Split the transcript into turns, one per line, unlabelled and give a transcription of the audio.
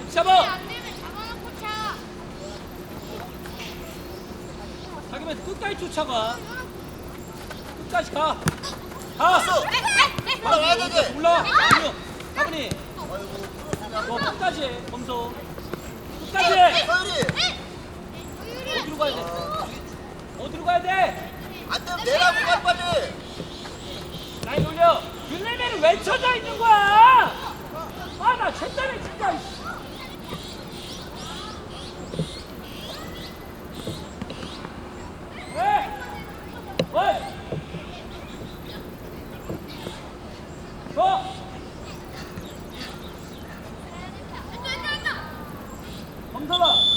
잡아.
안 되면 잡아놓고 차.
자기면 끝까지 쫓아가. 끝까지 가. 가.
왔어. 올라와야 되지.
올라와. 가문이.
아이고.
너 끝까지 해. 검소. 끝까지 해.
서율이.
어디로 가야 돼? 어디로 가야 돼?
안 되면 내라고 갈 빨리.
라인 올려. 율레면은 왜 쳐져 있는 거야? 아, 나 쟤때문에 진짜. 왜? 왜? 줘. 검사봐.